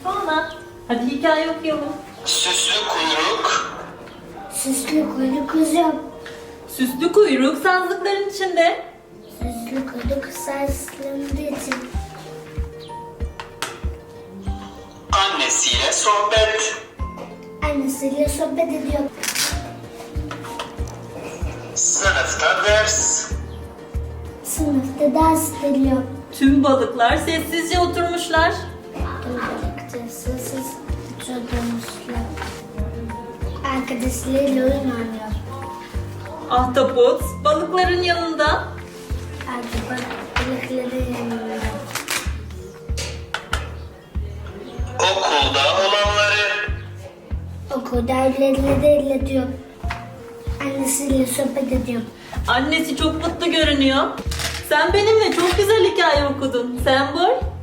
Sonra. Hadi hikaye okuyalım. Süslü kuyruk, Süslü kuyruk kızım. Süslü kuyruk sazlıkların içinde. Süslü kuyruk sarsıldığı için. annesiyle sohbet, Annesiyle sohbet ediyor. sınıfta ders, Sınıfta ders ediliyor. Tüm balıklar sessizce oturmuşlar. Balıkçı sessiz oturmuşlar. Arkadaşlarıyla oyun oynuyor. Ahtapot balıkların yanında. Artık balıkları yanıyor. okulda olanları, Okulda öğrencileri iletiyor. Annesiyle sohbet ediyor. Annesi çok mutlu görünüyor. Sen benimle çok güzel hikaye okudun. Sembol.